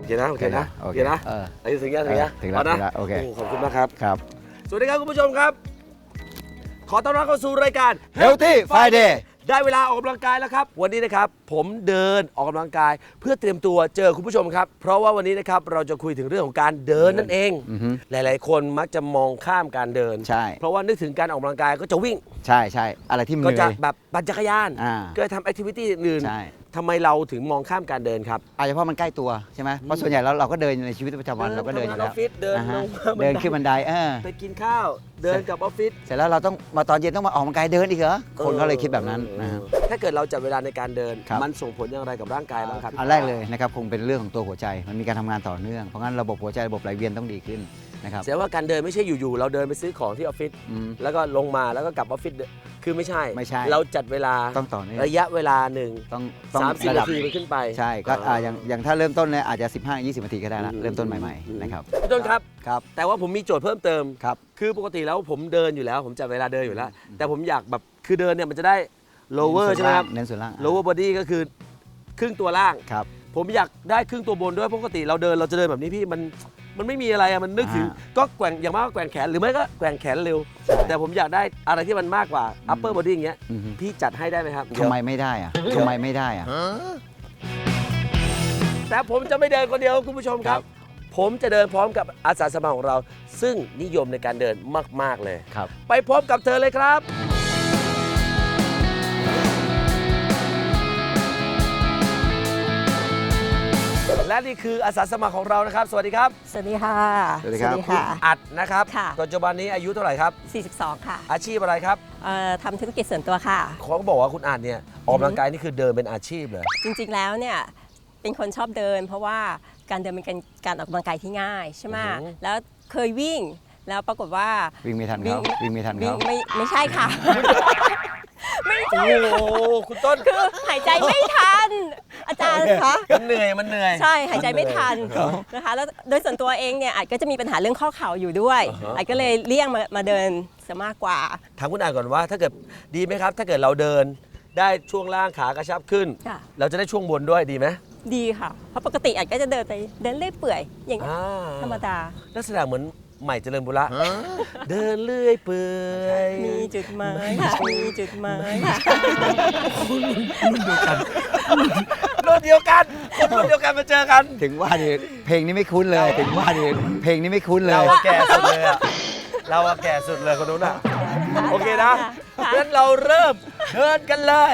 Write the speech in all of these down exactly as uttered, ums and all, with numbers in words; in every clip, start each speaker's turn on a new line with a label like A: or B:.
A: เคนะโอเคนะโอเคนะไอ้ถึงยังถึงยัง
B: ถึงแล้วนะโอเค
A: ขอบคุณมากครับ
B: ครับ
A: สวัสดีครับคุณผู้ชมครับขอต้อนรับเข้าสู่รายการ
B: Healthy Friday
A: ได้เวลาออกกำลังกายแล้วครับวันนี้นะครับผมเดินออกกำลังกายเพื่อเตรียมตัวเจอคุณผู้ชมครับเพราะว่าวันนี้นะครับเราจะคุยถึงเรื่องของการเดินนั่นเองหลายๆคนมักจะมองข้ามการเดิน
B: ใช่
A: เพราะว่านึกถึงการออกกำลังกายก็จะวิ่ง
B: ใช่ใช่อะไรที่มัน
A: ก็จะแบบปั่นจักรยานก็ทำแอคทิวิตี้อื่น
B: ใช่
A: ทำไมเราถึงมองข้ามการเดินครับ
B: อาจจะเพราะมันใกล้ตัวใช่ไหมเพราะส่วนใหญ่แล้วเราก็เดินในชีวิตประจำวันเราก็เดินอยู่แล้ว
A: เดินลง
B: เดินขึ้นบันไดเออ
A: ไปกินข้าวเดินกับออฟฟิศ
B: เสร็จแล้วเราต้องมาตอนเย็นต้องมาออกกำลังกายเดินอีกเหรอคนเขาเลยคิดแบบนั้นนะ
A: ถ้าเกิดเราจัดเวลาในการเดินมันส่งผลอย่างไรกับร่างกายบ้างครับ
B: อันแรกเลยนะครับคงเป็นเรื่องของตัวหัวใจมันมีการทำงานต่อเนื่องเพราะงั้นระบบหัวใจระบบไหลเวียนต้องดีขึ้นนะครับ
A: แสดงว่าการเดินไม่ใช่อยู่ๆเราเดินไปซื้อของที่ออฟฟิศแล้วก็ลงมาแล้วก็กลับออฟฟิศคือไม่ใช่
B: ไม่ใช่
A: เราจัดเวลา
B: ต้องต่อเนื่อง
A: ระยะเวลาหนึ่ง
B: ต้องต้อง
A: สามสิบนาทีมันขึ้นไป
B: ใช่ก็อย่างอย่างถ้าเริ่มต้นเนี่ยอาจจะสิบห้า ยี่สิบนาทีก็ได้ละเริ่มต้นใหม่ๆนะครับ
A: พี่ต้นครับ
B: ครับ
A: แต่ว่าผมมีโจทย์เพิ่มเติม
B: ครับ
A: คือปกติแล้วผมเดินอยู่แล้วผมจัดเวลาเดินอยู่แล้วแต่ผมอยากแบบคือเดินเนี่ยมันจะได้ lower ใช่ไหมครับ
B: เน้นส่วนล่าง
A: lower body ก็คือครึ่งตัวล่าง
B: ครับ
A: ผมอยากได้ครึ่งตัวบนด้วยปกติเราเดินเราจะเดินแบบนี้พี่มันมันไม่มีอะไรอะมันนึกถึงก็แกว่งอย่างมากก็แกว่งแขนหรือไม่ก็แกว่งแขนเร็วแต่ผมอยากได้อะไรที่มันมากกว่า upper body อย่างเงี้ยพี่จัดให้ได้ไหมครับ
B: ทำไมไม่ได้อะทำไมไม่ได้อะ
A: แต่ผมจะไม่เดินคนเดียวคุณผู้ชมครับผมจะเดินพร้อมกับอาสาสมัครของเราซึ่งนิยมในการเดินมากๆเลย
B: ครับ
A: ไปพบกับเธอเลยครับและนี่คืออาสาสมัครของเรานะครับสวัสดีครับ
C: สวัสดีค่ะ
B: สวัสดีครับ
A: คุณอัดนะครับ
C: ค่ะ
A: ปัจจุบันนี้อายุเท่าไหร่ครับ
C: สี่สิบสองค่ะ
A: อาชีพอะไรครับ
C: เอ่อทำธุรกิจส่วนตัวค่ะ
A: เขาบอกว่าคุณอัดเนี่ยออกกำลังกายนี่คือเดินเป็นอาชีพเลย
C: จริงๆแล้วเนี่ยเป็นคนชอบเดินเพราะว่าการเดินเป็นการการออกกำลังกายที่ง่ายใช่ไหมแล้วเคยวิ่งแล้วปรากฏว่า
B: วิ่งไม่ทันเขาวิ่งไม่ทันเขา
C: ไม่ไม่ใช่ค่ะไม่ใช่
A: โอ้คุณต้น
C: คือหายใจไม่ทันอาจารย์คะ
A: มันเหนื่อยมันเหนื่อย
C: ใช่หายใจไม่ทันนะคะแล้วโดยส่วนตัวเองเนี่ยอาจก็จะมีปัญหาเรื่องข้อเข่าอยู่ด้วยอาจก็เลยเลี่ยงมามาเดินซะมากกว่า
A: ถามคุณอ่านก่อนว่าถ้าเกิดดีไหมครับถ้าเกิดเราเดินได้ช่วงล่างขากระชับขึ้นเราจะได้ช่วงบนด้วยดีไหม
C: ดีค่ะเพราะปกติอาจก็จะเดินไปเดินเลื่อยเปื่อยอย่างนี้ธรรมดา
A: ลักษณะเหมือนใหม่เจริญบุระเดินเลื่อยเปื่อย
C: มีจุดหมายมีจุดหมาย
A: รุ่นเดียวกันคนรุ่นเดียวกันมาเจอกัน
B: ถึงว่าดิเพลงนี้ไม่คุ้นเลยถึงว่าดิเพลงนี้ไม่คุ้นเลย
A: เราแก่สุดเลยอะเราแก่สุดเลยคนนู้นอะโอเคนะงั้นเราเริ่มเดินกันเลย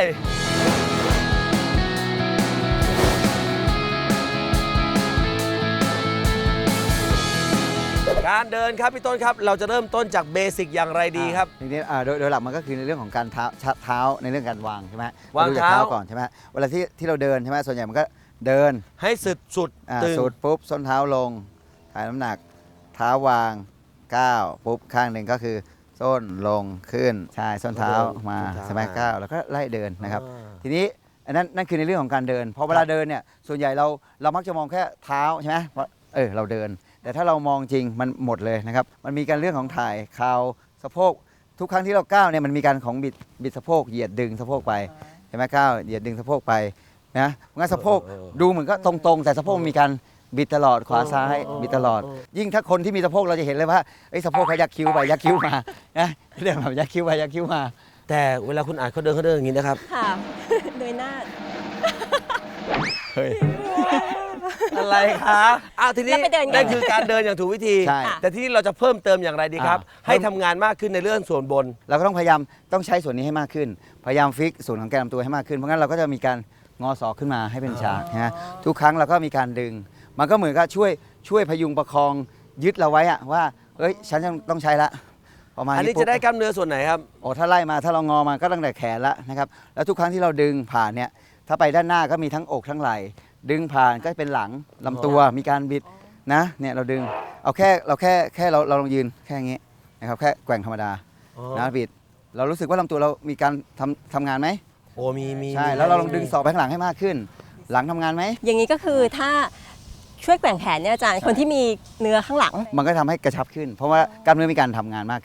A: การเดินครับพี่ต้นครับเราจะเริ่มต้นจากเบสิกอย่างไรดีครับ
B: ทีนี้โดยโดยหลักมันก็คือในเรื่องของการเท้าเท้าในเรื่องการวางใช่ไหม
A: วางเท้า
B: ก่อนใช่ไหมเวลาที่ที่เราเดินใช่ไหมส่วนใหญ่มันก็เดิน
A: ให้สุดสุด
B: สุดปุ๊บส้นเท้าลงถ่ายน้ำหนักเท้าวางก้าวปุ๊บข้างหนึ่งก็คือส้นลงขึ้นใช่ส้นเท้ามาใช่ไหมก้าวแล้วก็ไล่เดินนะครับทีนี้อันนั้นนั่นคือในเรื่องของการเดินพอเวลาเดินเนี่ยส่วนใหญ่เราเรามักจะมองแค่เท้าใช่ไหมว่าเออเราเดินแต่ถ้าเรามองจริงมันหมดเลยนะครับมันมีการเรื่องของถ่ายเข่าสะโพกทุกครั้งที่เราก้าวเนี่ยมันมีการของบิดบิดสะโพกเหยียดดึงสะโพกไปใช่ไหมก้าวเหยียดดึงสะโพกไปนะงั้นสะโพกดูเหมือนก็ตรงๆแต่สะโพกมีการบิดตลอดขวาซ้ายบิดตลอดยิ่งถ้าคนที่มีสะโพกเราจะเห็นเลยว่าไอ้สะโพกเขายักคิ้วไปยักคิ้วมานะเรื่องแบบยักคิ้วไปยักคิ้วมา
A: แต่เวลาคุณอ่านเขาเดินเขาเดินอย่างนี้นะครับ
C: ค่ะโดยหน้า
B: เฮ้ย
A: อะไรคะอ้าวทีนี้นั่นคือการเดินอย่างถูกวิธีแต่ที่นี่เราจะเพิ่มเติมอย่างไรดีครับให้ทำงานมากขึ้นในเรื่องส่วนบน
B: เราก็ต้องพยายามต้องใช้ส่วนนี้ให้มากขึ้นพยายามฟิกส่วนของแกนลำตัวให้มากขึ้นเพราะงั้นเราก็จะมีการงอศอกขึ้นมาให้เป็นฉากนะทุกครั้งเราก็มีการดึงมันก็เหมือนกับช่วยช่วยพยุงประคองยึดเราไว้อะว่าเอ้ยฉันต้องใช้ละ
A: ประมาณนี้อันนี้จะได้กล้ามเนื้อส่วนไหนครับ
B: โอ้ถ้าไล่มาถ้าเรางอมาก็ตั้งแต่แขนละนะครับแล้วทุกครั้งที่เราดึงผ่านเนี่ยถ้าไปด้านหน้าก็มีทั้งอกทั้งไหล่ดึงผ่านก็เป็นหลังลำตัวมีการบิดนะเนี่ยเราดึงเอาแค่เราแค่แค่เราเราลองยืนแค่นี้นะครับแค่แกว่งธรรมดานะบิดเรารู้สึกว่าลำตัวเรามีการทำทำงานไหม
A: โอ้มีมี
B: ใช่แล้วเราลองดึงศอกไปข้างหลังให้มากขึ้นหลังทำงานไหม
C: อย่างนี้ก็คือถ้าช่วยแกว่งแขนเนี่ยอาจารย์คนที่มีเนื้อข้างหลัง
B: มันก็ทำให้กระชับขึ้นเพราะว่ากล้ามเนื้อมีการทำงานมากขึ้น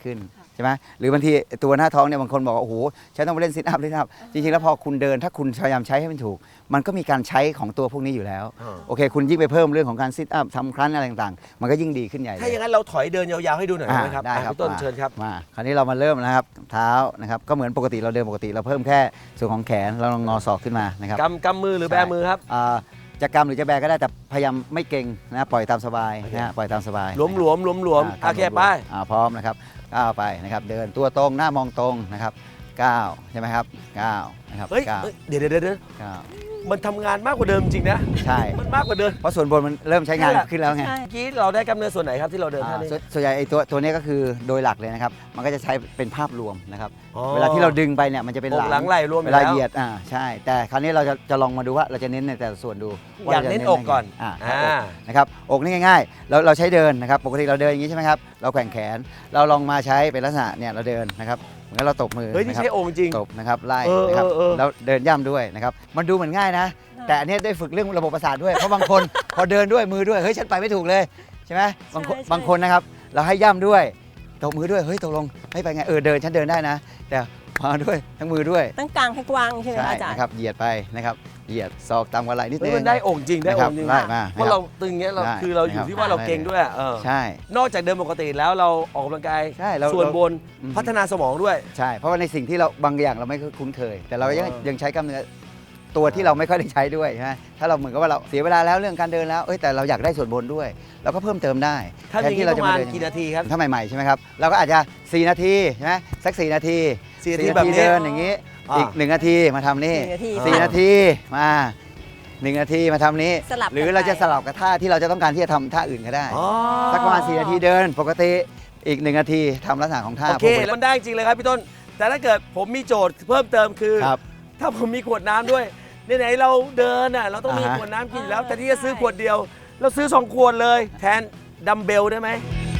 B: ใช่ไหมหรือบางทีตัวหน้าท้องเนี่ยบางคนบอกว่าโอ้โหฉันต้องไปเล่นซิทอัพเล่นซิทอัพจริงๆแล้วพอคุณเดินถ้าคุณพยายามใช้ให้มันถูก มันก็มีการใช้ของตัวพวกนี้อยู่แล้ว
A: อ่า
B: โอเค คุณยิ่งไปเพิ่มเรื่องของการซิทอัพทำครั้นอะไรต่างๆ มันก็ยิ่งดีขึ้นใหญ่เล
A: ถ้าอย่างนั้นเราถอยเดินยาวๆให้ดูหน่อยได้ไหมครับ
B: ได้
A: อ่ะ
B: ครับ
A: พี่ต้น
B: มา
A: เชิญครับ
B: มาคราวนี้เรามาเริ่มนะครับเท้านะครับก็เหมือนปกติเราเดินปกติเราเพิ่มแค่ส่วนของแขนเราลองงอศอกขึ้นมานะครับ
A: กำกำมือหรือแบมือครับ
B: อ่าจะกำหรือจะแบก็ได้แต่พยายามไม่เก่งนะปล่อยตามสบายนะฮะปล่อยตามสบาย
A: หลวมหลวมหลวมหลวม
B: อ่า
A: โอเคไป
B: อ่าพร้อมนะครับก้าวไปนะครับเดินตัวตรงหน้ามองตรงนะครับก้าวใช่ไหมครับก้าวนะครับ
A: เฮ้ย
B: ก้าว
A: เฮ้ยเดี๋ยวเดี๋ยวเดี๋ยว
B: ก้าว
A: มันทำงานมากกว่าเดิมจริงนะ
B: ใช่
A: มันมากกว่าเดิม
B: เพราะส่วนบนมันเริ่มใช้งานขึ้นแล้วไง
C: ใช่
A: เมื่อกี้เราได้กำเนิดส่วนไหนครับที่เราเดินท่า
B: อ่า
A: นี้
B: ส่วนส่วนใหญ่ไอ้ตัวตัวนี้ก็คือโดยหลักเลยนะครับมันก็จะใช้เป็นภาพรวมนะครับ
A: อ๋อ
B: เวลาที่เราดึงไปเนี่ยมันจะเป็น
A: อกหลังไหล่รวมอ
B: เว
A: ยู่
B: ลา
A: แล้ว
B: เหยียดอ่าใช่ แต่คราวนี้เราจะจะลองมาดูว่าเราจะเน้นในแต่ละส่วนดูว่
A: อยาก
B: รจะ
A: เน้นอกก่อน
B: อ่า
A: อ่า
B: อกนะครับอกนี่ง่ายๆเราเราใช้เดินนะครับปกติเราเดินอย่างนี้ใช่ไหมครับเราแกว่งแขนเราลองมาใช้เป็นลักษณะเนี่ยเราเดินนะครับเหมือนกับเราตบมือ
A: เฮ้ยนี่
B: นะครับ
A: ใช้องค์จริง
B: ตบนะครับไล่
A: เออ
B: นะครับ
A: เออเออ
B: แล้วเดินย่ำด้วยนะครับมันดูเหมือนง่ายนะ แต่อันเนี้ยได้ฝึกเรื่องระบบประสาทด้วยเพราะบางคน พอเดินด้วยมือด้วยเฮ้ยฉันไปไม่ถูกเลยใช่ไหมบางคน
C: ใช่ใช่
B: บางคนนะครับเราให้ย่ำด้วยตบมือด้วยเฮ้ยตกลงให้ไปไงเออเดินฉันเดินได้นะ แต่มาด้วยทั้งมือด้วย
C: ตั้งกลางให้กว้างใช่ไหม
B: ใช่
C: คะอาจารย์
B: นะครับเหยียดไปนะครับเหยียดศอกตามกว่าไหล่นิด
A: เฮ้
B: นึ
A: ย
B: ง
A: มันได้องค์จริงได้องค์จริง
B: ไล่มา
A: เพราะเราตึงเงี้ยเรา
B: ได้
A: คือเราอยู่
B: นะครับ
A: ที่ว่าเราเก่งด้วยอะเออ
B: ใช่
A: นอกจากเดินปกติแล้วเราออกกำลังกาย
B: ใช่เรา
A: ส่วนบน
B: อืม
A: พัฒนาสมองด้วย
B: ใช่เพราะว่าในสิ่งที่เราบางอย่างเราไม่คุ้นเคย แต่เรายัง
A: เออ
B: ยังใช้กล้ามเนื้อตัวที่เราไม่ค่อยได้ใช้ด้วยใช่ไหมถ้าเราเหมือนกับว่าเราเสียเวลาแล้วเรื่องการเดินแล้วเอ้ยแต่เราอยากได้ส่วนบนด้วย เราก็เพิ่มเติมได้
A: ถ้าอย่างนี้ประมาณกี่นาทีครับ
B: ถ้าใหม่ๆใช่ไหมครับเราก็อาจจะสี่นาทีใช่ไหมสักสี่นาที
A: สี่นาที
B: สี่
A: แบบนี้
B: เดินอย่างนี้
A: อ่า
B: อีกหนึ่งนาทีมาทำนี่
C: หนึ่งนาที
B: สี่นาทีมาหนึ่งนาทีมาทำนี้
C: สลับกัน
B: หรือเราจะ
C: ไป
B: สลับกับท่าที่เราจะต้องการที่จะทำท่าอื่นก็ได้
A: อ๋อ
B: สักประมาณสี่นาทีเดินปกติอีกหนึ่งนาทีทำลักษณะของท่า
A: โอเค
B: ปกติ
A: มันได้จริงเลยครับพี่ต้น แต่ถ้าเกิดผมมีโจทย์เพิ่มเติมคือ
B: ครับ
A: ถ้าผมมีขวดน้ำด้วยไหนๆเราเดินอ่ะเราต้องมี
B: อ่าฮะ
A: ขวดน้ำกินอยู่แล้ว
C: เออ
A: แต่ที่จะซื้อ
C: ใช่
A: ขวดเดียว เราซื้อสองขวดเลย แทนดัมเบลได้ไหม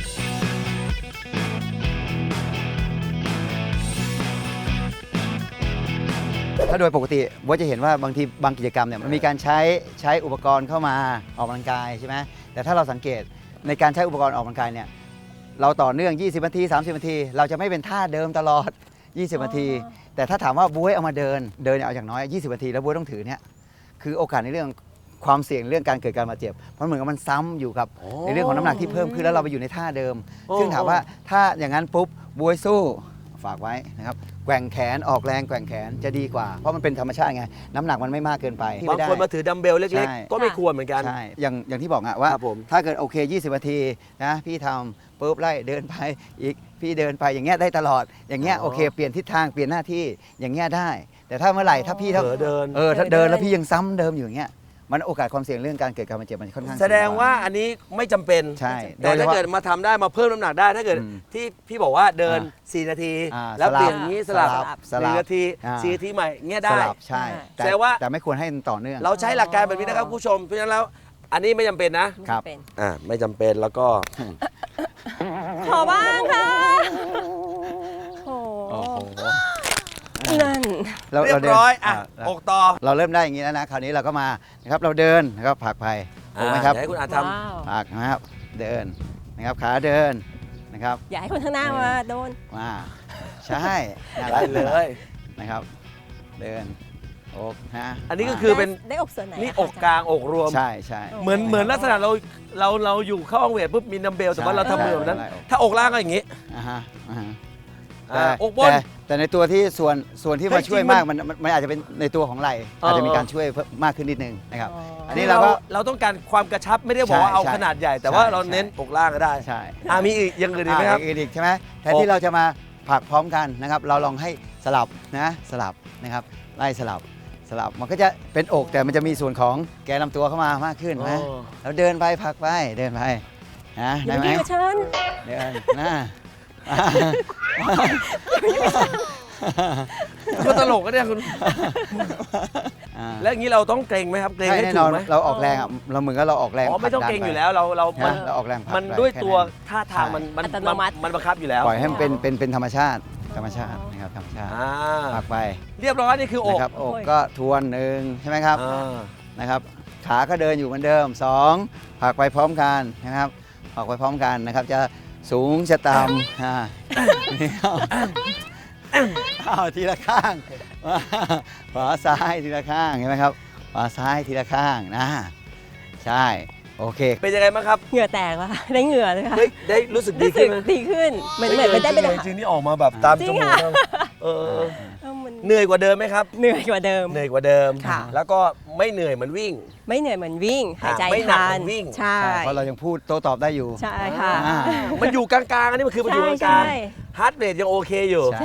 B: ถ้าโดยปกติว่าจะเห็นว่าบางทีบางกิจกรรมเนี่ยมันมีการใช้ใช้อุปกรณ์เข้ามาออกกำลังกายใช่ไหมแต่ถ้าเราสังเกตในการใช้อุปกรณ์ออกกำลังกายเนี่ยเราต่อเนื่องยี่สิบนาทีสามสิบนาทีเราจะไม่เป็นท่าเดิมตลอด ยี่สิบ นาที แต่ถ้าถามว่าบ๊วยเอามาเดินเดินเนี่ยเอาอย่างน้อยยี่สิบนาทีแล้วบ๊วยต้องถือเนี่ยคือโอกาสในเรื่องความเสี่ยงเรื่องการเกิดการบาดเจ็บเพราะเหมือนกับมันซ้ำอยู่กับ
A: โอ้
B: ในเรื่องของน้ำหนักที่เพิ่มขึ้นแล้วเราไปอยู่ในท่าเดิม
A: โอ้
B: ซึ่งถามว่าถ้าอย่างนั้นปุ๊บบวยสู้ฝากไว้นะครับแกว่งแขนออกแรงแกว่งแขนจะดีกว่า เพราะมันเป็นธรรมชาติไงน้ำหนักมันไม่มากเกินไป
A: บางคนมาถือดัมเบลเล็ก
B: ใช่
A: ๆ ก็ไม่ควรเหมือนกัน
B: ใช่อย่างอย่างที่บอกอะว่า
A: ครับผม
B: ถ้าเกิดโอเคยี่สิบนาทีนะพี่ทำปุ๊บไล่เดินไปอีกพี่เดินไปอย่างเงี้ยได้ตลอดอย่างเงี้ย
A: อ๋อ
B: โอเคเปลี่ยนทิศทางเปลี่ยนหน้าที่อย่างเงี้ยได้ แต่ถ้าเมื่อไหร่ถ้าพี่
A: เผ
B: ถ้า
A: ลอเดิน
B: เออถ้า
C: เดิ
B: เดิ
C: น
B: นแล้วพี่ยังซ้ำเดิมอยู่อย่างเงี้ยมันโอกาสความเสี่ยงเรื่องการเกิดการบาดเจ็บมันค่อนข้าง
A: แสดง
B: สูก
A: ว่าอันนี้ไม่จำเป็น
B: ใช่
A: แต่ถ้าเกิดมาทำได้มาเพิ่มน้ำหนักได้ถ้าเกิด
B: อืม
A: ที่พี่บอกว่าเดิน
B: อ่า
A: สี่นาที
B: อ่า
A: แล้ว
B: สลับ
A: เปลี่ยนอย่างนี้สลับ
B: สลับสลับ
A: หนึ่งนาที
B: อ่า
A: สี่นาทีใหม่เงี้ย
B: ส
A: ได้
B: ลับใช่แต่
A: แสดงว่า
B: แต่ไม่ควรให้ต่อเนื่อง
A: เราใช้หลักการแบบนี้นะครับผู้ชมเพราะฉะนั้นแล้วอันนี้ไม่จำเป็นนะครับ
C: เป็น
A: อ่าไม่จำเป็นแล้วก็
C: ขอบ้างค่ะโอ้
B: โอ้โห
C: นั่น
B: เรา
A: เรีย
B: เรา
A: บ
B: เดิน
A: ร้อยอ่ะ
B: า
A: อกต่อ
B: เราเริ่มได้อย่างนี้แล้วนะคราวนี้เราก็มานะครับเราเดินนะครับผลักไปถูกไหมครับ
A: อ่าเดี๋ยวให้คุณอาท
C: ว้าว
B: ผลักนะครับเดินนะครับขาเดินนะครับ
C: อย่าให้คนข้างหน้ามาโดน
B: มาใช่น่า
A: ำ
B: รั
A: ได้
B: ก
A: เลย
B: นะครับ เดินอกนะ
A: อันนี้ก็คือเป็น
C: ได้อกส่วนไหน
A: นี่
C: ะ
A: อกกลางอกรวม
B: ใช่ใช่
A: เหมือนเหมือนลักษณะเราเราเราอยู่เข้าห้องเวทปุ๊บมีดัมเบลแต่ว่าเราทำมือแบบนั้น
B: ใช่
A: ถ้าอกล่างก็อย่างนี้
B: อ่าฮะอ่าฮะ
A: อ่า
B: แต่
A: อกบน
B: แต่แต่ในตัวที่ส่วนส่วนที่
A: เฮ้
B: มาย ช่วย
A: จริงมัน
B: มากมันมันมันอาจจะเป็นในตัวของไหล่
A: เออ
B: อาจจะมีการช่วยเพิ่มมากขึ้นนิดนึงนะครับ
C: อ๋ออั
B: อันนี้เราก็
A: เราต้องการความกระชับไม่ได้บอกว่า
B: ใช่
A: เอา
B: ใช่
A: ขนาดใหญ่ แต่ว่า
B: ใช่
A: เราเน้น
B: ใช่
A: อกล่างก็ได้
B: ใช่
A: อ่ามีอีกอย่างอื่นอีกไหมครับ
B: อ่าอีกใช่ไหมแทน
A: อก
B: ที่เราจะมาผลักพร้อมกันนะครับ เราลองให้สลับนะสลับนะครับไล่สลับสลับมันก็จะเป็นอกแต่มันจะมีส่วนของแกนลำตัวเข้ามามากขึ้นนะ
A: อ๋อ
B: แล้วเดินไปผลักไปเดินไปนะ
C: อย่า
B: ได้
C: ไป
B: ไหม
C: ยุ่งกับฉัน
B: เดินนะ
A: ก็ตลกก็เนี่ยคุณ
B: อ่า
A: แล้วอย่างนี้เราต้องเกรงไหมครับเกรง
B: ใช่
A: ให้
B: แน่
A: ถู
B: นอก น
A: ไหม
B: เราออกแรงอ่ะเราเหมือนกับเราออกแรง
A: อ๋อไม่ต้อง
B: ผลั
A: เกรง
B: ดัน
A: อยู่
B: ไป
A: แล้วเราเรา
B: นะเราออกแรงผลัก
A: มัน
B: ไป
A: ด้วย
B: แค่
A: ตัว
B: นั้น
A: ท่าทางมันมัน
C: อัตโนมัติ
A: มันบังคับอยู่แล้ว
B: ปล่อยให้มันเป็นเป็นเป็นธรรมชาติธรรมชาตินะครับธรรมชาติ
A: อ่า
B: ผลักไป
A: เรียบร้อยนี่คืออก
B: นะครับอกก็ทวนหนึ่งใช่ไหมครับ
A: อ่า
B: นะครับขาก็เดินอยู่เหมือนเดิมสองผลักไปพร้อมกันนะครับผลักไปพร้อมกันนะครับจะสูงจะต่ำอ่านี่เอาเอาทีละข้างมาขวาซ้ายทีละข้างเห็นไหมครับขวาซ้ายทีละข้างนะใช่โอเค
A: เป็นยังไงบ้างครับ
C: เหงื่อแตกแล้วค่ะได้เหงื่อเลยค่ะ
A: เฮ้ยได้รู้สึกดี
C: รู้สึ
A: ขึ้
C: ก
A: นไหม
C: ดีขึ้นเหมือนเหมือนไม่ได้เป็น
A: จริงๆนี่ออกมาแบบตาม
C: จริ
A: จ
C: ง
A: มูก
C: ค่ะ
A: แล้วเออ
C: เออมัน
A: เหนื่อยกว่าเดิมไหมครับ
C: เหนื่อยกว่าเดิม
A: เหนื่อยกว่าเดิม
C: ค่ะ
A: แล้วก็ไม่เหนื่อยเหมือนวิ่ง
C: ไม่เหนื่อยเหมือนวิ่ง หายใจ
A: ไม่หนัก
C: ทั
A: เหมื
C: น
A: อนวิ่ง
C: ใช่
B: ใช่เพราะเรายังพูดโต้ตอบได้อยู่
C: ใช่ค่ะ
B: อ่า
A: มันอยู่กลางๆอันนี้มันคือมันอยู่ก
C: ใช่
A: ลาง
C: ใช่
A: ๆฮาร์ดเรทยังโอเคอยู่
B: ใช่
C: ใช่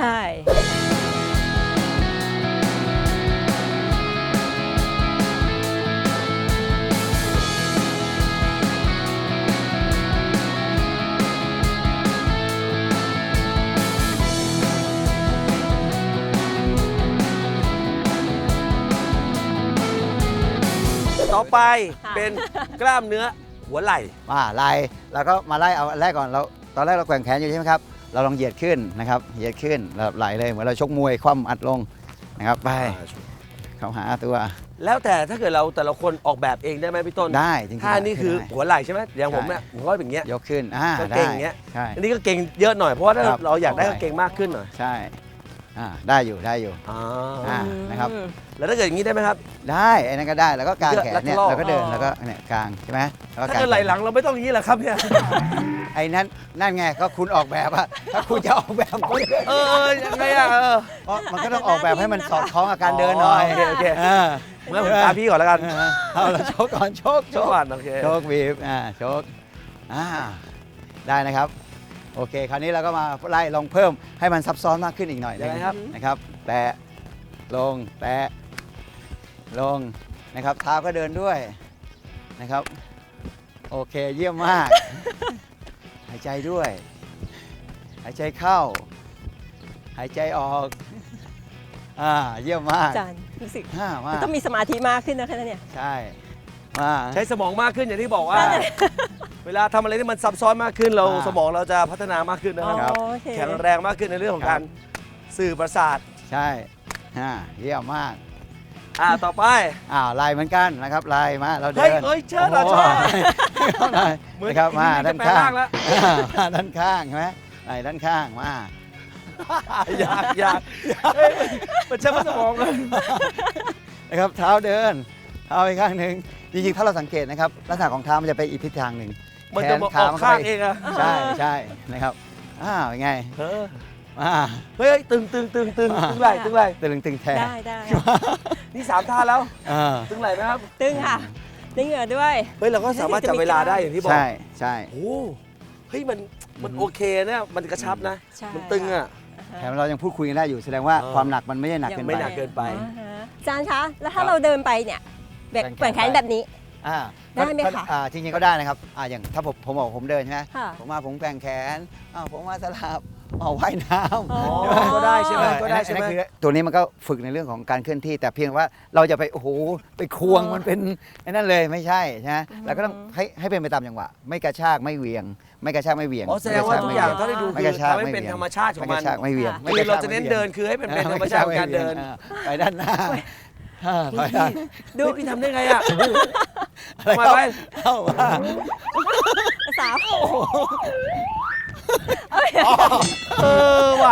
A: ต่อไป
C: ค่ะ
A: เป็นกล้ามเนื้อหัวไหล่
B: มาไล่แล้วก็มาไล่เอาอันแรกก่อนเราตอนแรกเราแกว่งแขนอยู่ใช่ไหมครับเราลองเหยียดขึ้นนะครับเหยียดขึ้นแบบไหลเลยเหมือนเราชกมวยคว่ำอัดลงนะครับไปเข้าหาตัว
A: แล้วแต่ถ้าเกิดเราแต่ละคนออกแบบเองได้ไหมพี่ต้น
B: ได้จริงๆ
A: ท่านี่คือ
B: ได้
A: หัวไหล่ใช่ไหมอย่างผม
B: ใช่
A: เนี่ยผมก็เป็นอย่างเงี้ย
B: ยกขึ้นอ่า
A: ก็
B: ได้
A: เก่งอย่างเงี้ย
B: ใช่
A: อันนี้ก็เก่งเยอะหน่อยเพราะว่าถ้า
B: ครับ
A: เราอยากได้
B: ได้
A: ก็เก่งมากขึ้นหน่อย
B: ใช่อ่าได้อยู่ได้อยู่
A: อ่า
B: อ่านะครับ
C: อืม
A: แล้วถ้าเกิดอย่างนี้ได้ไหมครับ
B: ได้ไอ้นั่นก็ได้แล้วก็กางแขนเนี่ย
A: แล้วก็
B: แล้วก็เดิน
C: อ๋อ
B: แล้วก็เนี่ยกางใช่ไหมแล้วก็
A: ถ้าก
B: าง
A: เกิดไหล่หลังเราไม่ต้องอย่างนี้เหรอครับเนี่ย
B: ไอ้นั่นนั่นไงก็คุณออกแบบอะถ้าคุณจะออกแบบก็
A: เออเออยังไงอ่ะเออ
B: เพราะมันก็ต้องออกแบบให้มันสอดคล้องกับการเดินหน่อย
A: โอเคโอเค
B: เออ
A: เมื่อผมตามพี่ก่อนแล้วกัน
B: เอาเราโชกก่อนโชก
A: โชว์ก่อนโอเค
B: โชกบีบอ่าโชกอ่าได้นะครับ โอเค คราวนี้เราก็มาไล่ลองเพิ่มให้มันซับซ้อนมากขึ้นอีกหน่อย
A: ยังไงครับ
B: นะครับ แตะลงแตะลงนะครับเท้าก็เดินด้วยนะครับ โอเคเยี่ยมมาก หายใจด้วย หายใจเข้า หายใจออกอ่าเยี่ยมมาก
C: อาจารย์รู้สึก
B: อ่ามา
C: ต้องมีสมาธิมากขึ้นนะคะเนี่ย
B: ใช่มา
A: ใช้สมองมากขึ้นอย่างที่บอกว่า เวลาทำอะไรที่มันซับซ้อนมากขึ้นเรา
B: อ่า
A: สมองเราจะพัฒนามากขึ้นนะครับ
B: ครับ
C: อ๋อโอเค
A: แข็งแรงมากขึ้นในเรื่องของ
B: ครั
A: การ
B: บ
A: สื่อประสาท
B: ใช่อ่าเยี่ยมมาก
A: อ่าต่อไป
B: อ้าวไล่เหมือนกันนะครับไล่มาเรา
A: เฮ้
B: เดิ
A: ย
B: น
A: เฮ้ยเชิญเหรอ
B: โโห เข้าหน่อย
A: เหมือน
B: นะครับมา
A: ที่
B: ด้าน
A: จะแปล
B: ข้าง
A: ร่างแล้ว
B: อ่ามาด้านข้างใช่ไหมไล่ด้านข้างมา
A: อยากอยากเฮ้ยมันใช้สมองเลย
B: นะครับเท้าเดินเท้าไปข้างหนึ่งจริงๆถ้าเราสังเกตนะครับลักษณะของเท้ามันจะไปอีกทิศทางหนึ่ง
A: มันจะมาออกข้างเองอะ
B: ใช่ใช่นะครับอ้าวเป็นไง
A: เออ
B: อ่า
A: เฮ้ยเฮ้ยตึงตึงตึงตึงตึงไหล่ตึงไหล่
B: ตึงตึงแทน
C: ได้ได้
A: นี่สามท่าแล้ว
B: อ่า
A: ตึงไหล่ไหมครับ
C: ตึงค่ะได้เหงื่อด้วย
A: เฮ้ยเราก็สามารถจับเวลาได้อย่างที่บอก
B: ใช่ใช่
A: โอ้เฮ้ยมันมันโอเคนะมันกระชับนะ
C: ใช่
A: มันตึงอะ
B: แถมเรายังพูดคุยกันได้อยู่แสดงว่า
A: เออ
B: ความหนักมันไม่ได้หนักเกิน
A: ไม่
B: ไป
A: หนักเกินไป
C: อ่าฮะอาจารย์คะ แล้ว
B: ครั
C: ถ้า
B: บ
C: เราเดินไปเนี่ยแบบ
B: แก
C: แก
B: ว่
C: ว่
B: ง
C: ง
B: แข
C: แข
B: น
C: นแบบนี้
B: อ่า
C: ได้ไหม
B: ก็
C: คะ
B: อ่าจริงๆก็ได้นะครับอ่าอย่างถ้าผมผมบอกผมเดินใช่ไหม
C: ค่ะ
B: ผมมาผมแกว่งแขนอ้าวผมมาสลับอ๋อว่ายน้ำ
C: อ๋อ
A: ก็ได้ใช่ไหม
B: เออ
A: ก็ได้ใช่ไหม
B: อันนั้นคือตัวนี้มันก็ฝึกในเรื่องของการเคลื่อนที่ แต่เพียงว่าเราจะไปโอ้โหไปควง
C: อ๋อ
B: มันเป็นไอ้นั่นเลยไม่ใช่ใช่ไหมเราก็ต้องให้ให้เป็นไปตามจังหวะ ไม่กระชากไม่เหวียง ไม่กระชากไม่เหวียง
A: อ๋อแสดงว่าทุกอย่าง
B: ไม่
A: เท่าที่ดู
B: ไม่
A: คื
B: ก
A: อ
B: ระชาก
A: ทำให้
B: ไม่
A: เป็น
B: หวี่ยง
A: ธรรมชาติของ
B: ไม่
A: มั
B: ก
A: น
B: ระชากไม่เหวียง
C: ค่ะ
B: ไม่
A: คื
B: ก
A: อ
B: ช
A: เรา
B: ก
A: จะเน้น
B: ไม่หวี่ยง
A: เดินคือให้เป็นเป็นธรรมชาติของการเดิน
B: อ่าไปด้านหน้าอ่าไปด้าน
A: ดูพี่ทำได้ไงอะ
B: อะไร
A: ทำไม
B: ครับ
A: ไป
B: เข้ามา
C: สาว
A: เออว่ะ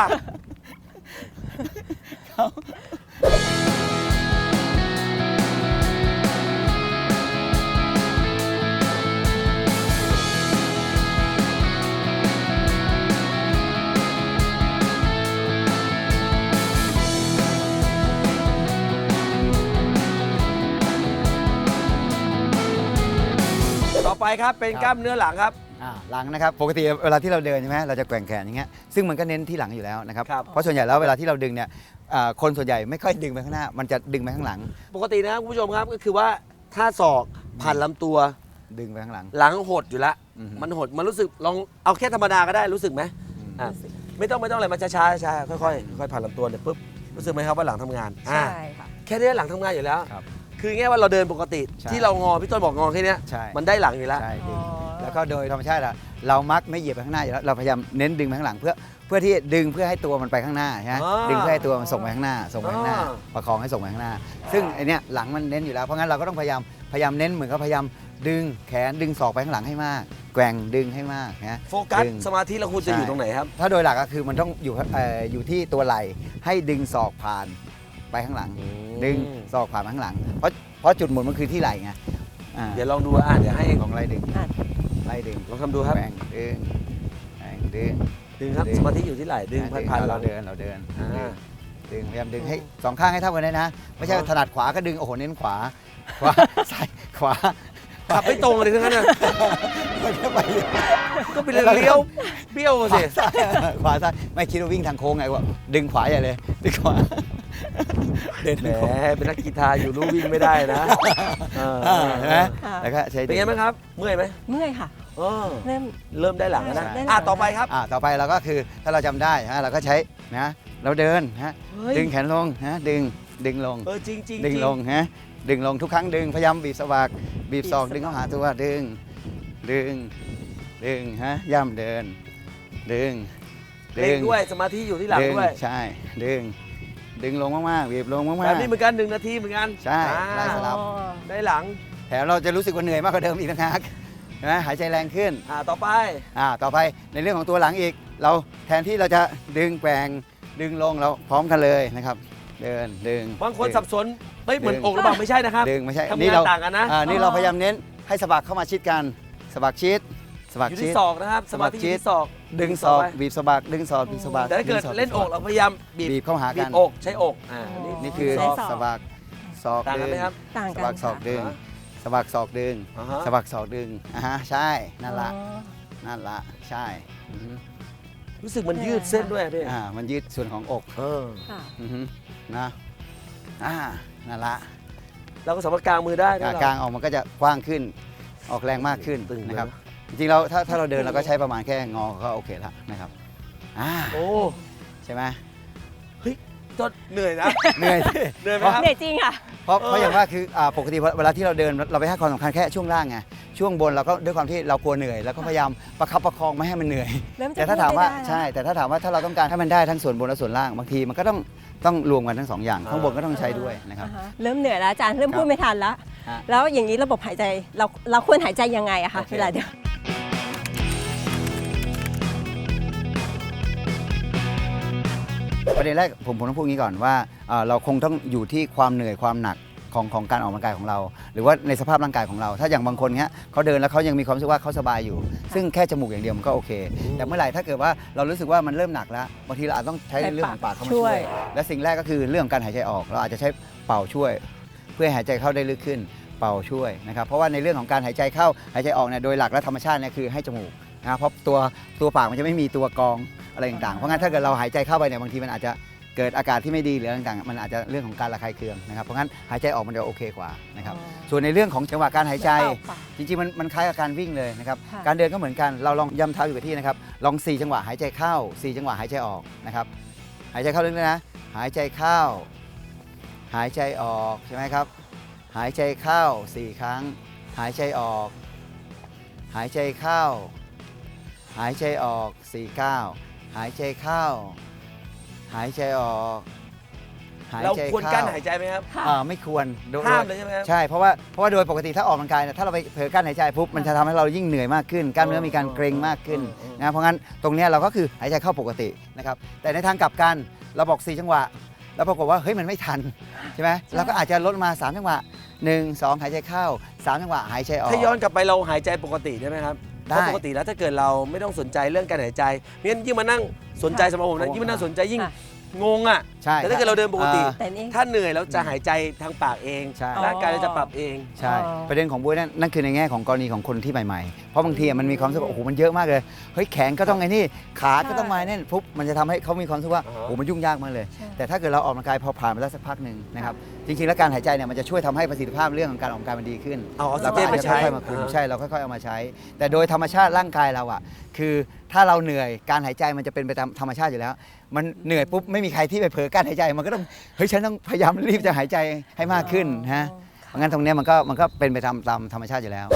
A: ต่อไปครับเป็นกล้ามเนื้อหลังครับ
B: อ่าหลังนะครับปกติเวลาที่เราเดินใช่ไหมเราจะแกว่งแขนอย่างเงี้ยซึ่งมันก็เน้นที่หลังอยู่แล้วนะครับ
A: ครับ
B: เพราะส่วนใหญ่แล้วเวลาที่เราดึงเนี่ยอ่าคนส่วนใหญ่ไม่ค่อยดึงไปข้างหน้า มันจะดึงไปข้างหลัง
A: ปกตินะครับคุณผู้ชมครับก็คือว่าถ้าศอกผ่านลำตัว
B: ดึงไปข้างหลัง
A: หลังหดอยู่แล้ว
B: อือฮึ
A: มันหดมันรู้สึกลองเอาแค่ธรรมดาก็ได้รู้สึกไหมอ่ะไม่ต้องไม่ต้องอะไรมาช้าช้าช้าค่อยๆค่อยๆผ่านลำตัวเนี่ยปุ๊บรู้สึกไหมครับว่าหลังทำงานอ่ะ
C: ใช่ค่ะ
A: แค่นี้หลังทำงานอยู่แล้ว
B: ครับ
A: คือง่ายว่าเราเดินปกติ
B: ใช่
A: ที่เรางอพี่ต้นบอกงอแค่เนี้ย
B: ใช่
A: มันได้หลังอยู่แล้ว
B: ใช่ดึง
C: อ๋อ
B: แล้วก็โดยธรรมชาติอะเรามักไม่เหยียบไปข้างหน้าอยู่แล้วเราพยายามเน้นดึงไปข้างหลังเพื่อเพื่อที่ดึงเพื่อให้ตัวมันไปข้างหน้าใช่ไหม
A: อ่า
B: ดึงเพื่อให้ตัวมันส่งไปข้างหน้า ส่งไปข้างหน้า
A: อ่า
B: ประคองให้ส่งไปข้างหน้า ซึ่งไอเนี้ยหลังมันเน้นอยู่แล้วเพราะงั้นเราก็ต้องพยายามพยายามเน้นเหมือนกับพยายามดึงแขนดึงศอกไปข้างหลังให้มากแกว่งดึงให้มากนะ
A: โฟกัส
B: ดึง
A: สมาธิเราควรจะอยู่ตรงไหนครับ
B: ถ้าโดยหลักก็คือมันต้องอยู่เอ่ออยู่ที่ตัวไหล่ให้ดึงศอกผ่านไปข้างหลัง
A: อืม
B: ดึงศอกผ่านไปข้างหลัง เพราะเพราะจุดหมุนมันคือที่ไหล่ไงอ่า
A: เดี๋ยวลองดูอ่ะเดี๋ยวให้
B: ลองไล่ดึง
C: อ่ะ
B: ไล่ดึง
A: ลองทำดูครับ
B: แกว่งดึงแกว่งดึง
A: ดึงครับ
B: ดึง
A: สมาธิอยู่ที่ไหล่ดึง
B: อ่า
A: ผ่านๆหลั
B: เรา
A: ง
B: เดินเราเดิน
A: อ่า
B: ดึงพยายามดึงให้สองข้างให้เท่ากันเลยนะ ไม่ใช่
A: อ๋อ
B: ถนัดขวาก็ดึงโอ้โหเน้นขวาขวา ซ้ายขวา
A: ขับไม่ตรงเลยทั้งนั้นน่ะ
B: ไม่ใช่ไป
A: ก็เป็นเลี้ยวเบี้ยว
B: ขวา
A: สิ
B: ซ้ายขวาซ้ายไม่คิดว่าวิ่งทางโค้งไงวะดึงขวาใหญ่เลยดึงขวาเดิน
A: แหม
B: ทางโค้ง
A: เป็นนักกีฬาอยู่รู้วิ่งไม่ได้นะเออ
B: อ่าเห็นไหม
C: ค่ะ
B: แล้วก็ใช้
A: เป็นไงบ้างครับ เมื่อยไหม
C: เมื่อยค่ะ
A: เออ
C: เริ่ม
A: เริ่มได้หลังแล้วนะ
C: ได้หลัง
A: อ่ะต่อไปครับ
B: อ่าต่อไปเราก็คือถ้าเราจำได้ฮะเราก็ใช้นะเราเดินฮะ
A: เฮ้ย
B: ดึงแขนลงฮะดึงดึงลง
A: เออจริงจริง
B: ดึงลงฮะดึงลงทุกครั้งดึงพยายามบีบสะบักบีบศอกดึงเข้าหาตัวดึงดึงดึงฮะย่ำเดิน ดึง
A: เล่นด้วยสมาธิอยู่ที่หลัง
B: ดึง
A: ด้วย
B: ใช่ดึงดึงลงมากๆบีบลงมาก
A: แบบนี้เหมือนกันหนึ่งนาทีเหมือนกัน
B: ใช่
A: อ่า
B: ไล่สลับ
C: อ๋อ
A: ได้หลัง
B: ๆแถมเราจะรู้สึกว่าเหนื่อยมากกว่าเดิมอีกต่างหากเห็นไหมหายใจแรงขึ้น
A: อ่าต่อไป
B: อ่าต่อไปในเรื่องของตัวหลังอีก เราแทนที่เราจะดึงแกว่งดึงลงเราพร้อมกันเลยนะครับ เดินดึง
A: บางคน
B: ดึ
A: สับสนเฮ้ยเหมือน
B: ดึง
A: อกหรือเปล่าไม่ใช่นะครับ
B: ดึงไม่ใช่
A: ทำ
B: นี่
A: งาน
B: เรา
A: ต่างกันนะ
B: อ่านี่เราพยายามเน้นให้สะบักเข้ามาชิดกันสะบักชิดสะบัก
A: อยู่
B: ชิ
A: ที่
B: ด
A: ศอกนะครับสมาธิอยู่ที่ศอก
B: ดึงศอก
A: ไป
B: บีบสะบักดึงศอกบีบสะบัก
A: แต่ถ้าเกิด
B: งศ
A: เล่นอก
B: บีบสะ
A: เรา
B: บัก
A: พยายามบีบ
B: บีบเข้าหา
A: บี
B: กัน
A: บอกใช้อกอ่า
C: อ๋อ
B: นี่คือ
C: ใช้ศอก
B: สะบักศอก
A: ต่างกัน
B: ดึ
A: ไหม
B: ง
A: ครับ
C: ต่าง
B: สะ
C: กัน
B: บักศอกดึง
A: อ่า
B: สะบักศอกดึง
A: อ่าฮะ
B: สะบักศอกดึงอ่าฮะใช่นั่นละ
C: อ๋อ
B: นั่นละใช่อือฮึ
A: รู้สึกมันยืดเส้นด้วยพี่
B: อ่ามันยืดส่วนของอก
A: เออ
C: ค่ะ
B: อือฮึนะอ่านั่นละ
A: เราก็สามารถกางมือได้นะ
B: อ่า
A: เรา
B: กลางออกมันก็จะกว้างขึ้นออกแรงมากขึ้น
A: ตึงเลย
B: นะครับจริงๆเราถ้าถ้าเราเดินเราก็ใช้ประมาณแค่งอก็โอเคแล้วนะครับอ่า
A: โอ้
B: ใช่ไหม
A: จนเหนื่อยนะ
B: เหนื่อยสิ
A: เหนื่อยไหมครับ
C: เหนื่อยจริงค่ะ
B: เพราะ
A: เออ
B: เพราะอย่างว่าคืออ่าปกติเวลาที่เราเดินเราไปให้ความสำคัญแค่ช่วงล่างไงช่วงบนเราก็ด้วยความที่เรากลัวเหนื่อยแล้วก็พยายามประคับประคองไม่ให้มันเหนื่อย
C: เริ่มจะ
B: แต่ถ้าถามว่า
C: พูดได้
B: ใช่ แต่ถ้าถามว่าถ้าเราต้องการให้มันได้ทั้งส่วนบนและส่วนล่างบางทีมันก็ต้องต้องรวมกันทั้งสองอย่างข้างบนก็ต้องใช้ด้วยนะครับ
C: อ่าฮะเริ่มเหนื่อยแล้วอาจารย์เริ่มพูดไม่ทันแล้ว
B: ฮะ
C: แล้วอย่างนี้ระบบหายใจเราเราควรหายใจยังไงอะคะ
B: โอเค
C: เวลาเดิน
B: ประเด็นแรกผมผมต้องพูดงี้ก่อนว่าเอ่อเราคงต้องอยู่ที่ความเหนื่อยความหนักของของการออกกำลังกายของเรา หรือว่าในสภาพร่างกายของเรา ถ้าอย่างบางคนเนี้ยเขาเดินแล้วเขายังมีความรู้สึกว่าเขาสบายอยู่ ซึ่งแค่จมูกอย่างเดียวมันก็โอเค แต่เมื่อไหร่ถ้าเกิดว่าเรารู้สึกว่ามันเริ่มหนักแล้วบางทีเราอาจต้องใช้เรื่องของปากเข้ามา
C: ช่
B: ช่
C: ว
B: วย ย และสิ่งแรกก็คือเรื่องของการหายใจออก เราอาจจะใช้เป่าช่วย เพื่อให้หายใจเข้าได้ลึกขึ้นเป่าช่วยนะครับเพราะว่าในเรื่องของการหายใจเข้าหายใจออกเนี่ยโดยหลักและธรรมชาติเนี่ยคือให้จมูกนะครับเพราะตัวตัวปากมันจะไม่มีตัวกรองอะไรต่างๆเพราะงั้นถ้าเกิดเราหายใจเข้าไปเนี่ยบางทีมันอาจจะเกิดอากาศที่ไม่ดีหรืออะไรต่างๆมันอาจจะเรื่องของการระคายเคืองนะครับเพราะงั้นหายใจออกมันจะโอเคกว่านะครับ
C: อ๋อ
B: ส่วนในเรื่องของจังหวะการหายใจ
C: เป่าปาก
B: จริงๆมันมันคล้ายกับการวิ่งเลยนะครับ
C: ค่ะ
B: การเดินก็เหมือนกันเราลองย่ำเท้าอยู่กับที่นะครับลองสี่จังหวะหายใจเข้าสี่จังหวะหายใจออกนะครับหายใจเข้าลึกๆนะหายใจเข้า หายใจออกใช่ไหมครับ หายใจเข้าสี่ครั้ง หายใจออก หายใจเข้า หายใจออกสี่เก้าหายใจเข้า หายใจออกหาย
A: เรา
B: ใจ
A: ควร
B: เข้า
A: กั้นหายใจไหมครับ
C: ค่ะ
B: อ่าไม่ควรโดย
A: ห้ามเลยใช่ไหมครับ
B: ใช่เพราะว่าเพราะว่าโดยปกติถ้าออกกำลังกายเนี่ยถ้าเราไปเผลอกั้นหายใจปุ๊บมันจะทำให้เรายิ่งเหนื่อยมากขึ้นกล้ามเนื้อมีการเกร็งมากขึ้น
A: เออเออ
B: นะเพราะงั้นตรงเนี้ยเราก็คือหายใจเข้าปกตินะครับแต่ในทางกลับกันเราบอกสี่จังหวะแล้วปรากฏว่าเฮ้ยมันไม่ทันใช่ไหมเราก็อาจจะลดมาสามจังหวะหนึ่งสองหายใจเข้าสามจังหวะหายใจออก
A: ถ้าย้อนกลับไปเราหายใจปกติได้ไหมครับ
B: ได้
A: เพราะปกติแล้วถ้าเกิดเราไม่ต้องสนใจเรื่องการหายใจงั้นยิ่งมานั่งสนใจสำหรับผมนะ
B: โอ้
A: ยิ่งมานั่งสนใจยิ่ง
C: ค่ะ
A: งงอ่ะ
B: ใช่
A: แต่ถ้าเกิดเราเดินปกติ
B: อ่า
C: แต่นี่
A: ถ้าเหนื่อยเราจะหายใจทางปากเอง
B: ใช่
A: ร่างกายเราจะปรับเอง
B: ใช่
C: อ๋อ
B: ประเด็นของบุ้ยนั่นนั่นคือในแง่ของกรณีของคนที่ใหม่ๆ เพราะบางทีอะมันมีความรู้สึกว่าโอ้โหมันเยอะมากเลยเฮ้ยแขนก็ต้องไงนี่ขาก็ต้องมาเนี่ยปุ๊บมันจะทำให้เขามีความรู้สึกว่า
A: อ่า
B: โอ้โหมันยุ่งยากมากเลย
C: ใช่
B: แต่ถ้าเกิดเราออกกำลังกายพอผ่านไปแล้วสักพักหนึ่งนะครับจริงๆแล้วการหายใจเนี่ยมันจะช่วยทำให้ประสิทธิภาพเรื่องของการออกกำลังกายมันดีขึ้น
A: เอาออกซิ
B: เรา
A: เจ
B: ก็
A: น
B: อาจ
A: ไป
B: จะ
A: ใช้
B: ค่อยๆมาคุม
A: อ่า
B: ใช่เราค่อยๆเอามาใช้ แต่โดยธรรมชาติร่างกายเราอ่ะคือถ้าเราเหนื่อยการหายใจมันจะเป็นไปตามธรรมชาติอยู่แล้ว มันเหนื่อยปุ๊บไม่มีใครที่ไปเผลอการหายใจมันก็ต้องเฮ้ยฉันต้องพยายามรีบจะหายใจให้มากขึ้นฮะเพราะงั้นตรงเนี้ยมันก็มันก็เป็นไปตามตามธรรมชาติอยู่แล้ว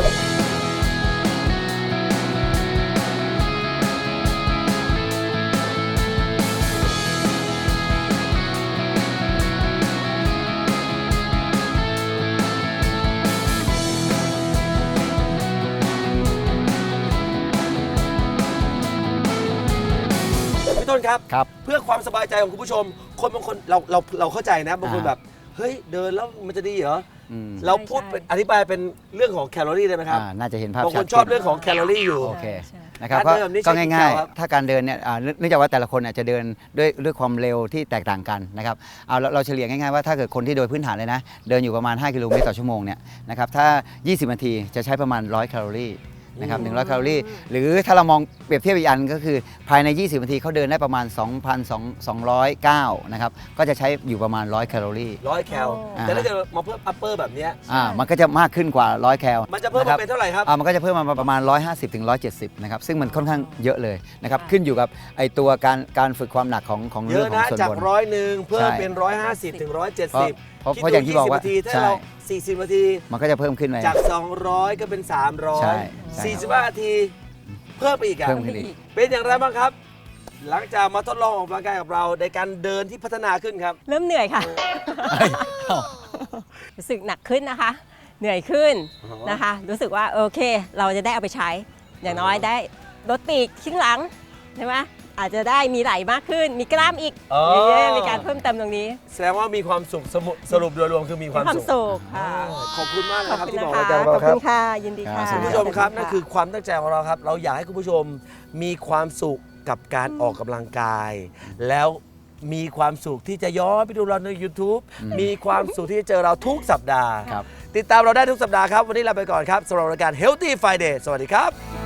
A: ต้นครับ
B: ครับ
A: เพื่อความสบายใจของคุณผู้ชม คนบางคนเราเราเราเข้าใจนะบางคน
B: อ่า
A: แบบเฮ้ยเดินแล้วมันจะดีเหรอ
B: อืม
A: เราพูด
C: ใช่
A: เป็นอธิบายเป็นเรื่องของแคลอรี่ได้ไหมครับ
B: อ่าน่าจะเห็นภาพ
A: บางค
B: ชั
A: น
B: ด
A: ชอบ
B: ขึ้น
A: เรื่องของแคลอรี่อยู่
B: โอเค
C: ใช่
B: นะครับ
A: การ
B: ก็
A: เดินแบบนี้
B: ก็
A: ใช้กี่
B: ง่าย
A: แคลครับ
B: ๆ ถ้าการเดินเนี่ยอ่าเนื่องเนื่องจากว่าแต่ละคนเนี่ยจะเดินด้วยด้วยความเร็วที่แตกต่างกันนะครับเอาเราเราเฉลี่ยง่ายๆว่าถ้าเกิดคนที่โดยพื้นฐานเลยนะเดินอยู่ประมาณห้ากิโลเมตรต่อชั่วโมงเนี่ยนะครับถ้า ยี่สิบ นาทีจะใช้ประมาณหนึ่งร้อยแคลอรี่นะครับหนึ่งร้อยแคลอรี่หรือถ้าเรามองเปรียบเทียบอีกอันก็คือภายใน ยี่สิบ นาทีเขาเดินได้ประมาณ สองพันสองร้อยเก้า นะครับก็จะใช้อยู่ประมาณหนึ่งร้อยแคลอรี่
A: ร้อยแคล
B: อ่า
A: แต่ถ้าเกิดมาเพิ่มอัปเปอร์แบบเนี้ย
B: อ่ามันก็จะมากขึ้นกว่าหนึ่งร้อยแคล
A: มันจะเพิ่ม
B: ครั
A: มา
B: บ
A: เป็นเท่าไหร่ครับ
B: อ่ามันก็จะเพิ่มมาประมาณหนึ่งร้อยห้าสิบถึงหนึ่งร้อยเจ็ดสิบนะครับซึ่งมันค่อนข้างเยอะเลยนะครับขึ้นอยู่กับไอตัวการการฝึกความหนักของของ
A: เย
B: เรื่อ
A: อะ
B: งของ
A: นะ
B: ส่วน
A: จาก
B: บน
A: ร้อยหนึ่งเพิ่ม
B: ใช่
A: เป็นร้อยห้าสิบถึงร้อยเจ็ด
B: เพราะ
A: สิบ
B: เพราะเพราะอย่างที่บอกว่า
A: คิดดูยี่สิบนาทีถ้า
B: ใช่
A: เราสี่สิบนาที
B: มันก็จะเพิ่มขึ้นไป
A: จาก สองร้อย ก็เป็น สามร้อ
B: ใช่
A: ย
B: ใช่
A: สี่สิบห้านาที เพิ่มไปอีกอะ
B: เพิ่มขึ้นอีก
A: เป็นอย่างไรบ้างครับ หลังจากมาทดลองออกกำลังกายกับเราในการเดินที่พัฒนาขึ้นครับ
C: เริ่มเหนื่อยค่ะ รู้สึกหนักขึ้นนะคะ เหนื่อยขึ้น
A: อ๋อ
C: นะคะ รู้สึกว่าโอเค เราจะได้เอาไปใช้ อย่างน้อยได้ลดปีกข้างหลังใช่ไหมอาจจะได้มีไหล่มากขึ้น มีกล้ามอีก
A: อ๋อ
C: อย่างเงี้ยมีการเพิ่มเติมตรงนี้
A: แสดงว่ามีความสุขสมุสรุปโดยรวมคือมีความ
C: ความ
A: สุข
C: สุขค่ะ
A: ขอบคุณมากนะ
C: ขอบ
A: ครับ
C: คุณ
A: ที่
C: นะ
A: บอก
C: คะ
A: รายการ
C: ข
A: เรา
C: อบ
A: ครั
C: คุ
A: บ
C: ณค่ะ ยินดีค่ะ
B: ครับ
A: คุณผู้ชมครับ
C: ข
A: นั่
C: ณ
A: นคือความตั้งใจของเราครับ เราอยากให้คุณผู้ชมมีความสุขกับการออกกำลังกาย แล้วมีความสุขที่จะย้อนไปดูเราใน YouTube มีความสุขที่จะเจอเราทุกสัปดาห์
B: ครับ
A: ติดตามเราได้ทุกสัปดาห์ครับ วันนี้ลาไปก่อนครับสำหรับรายการ Healthy Friday สวัสดีครับ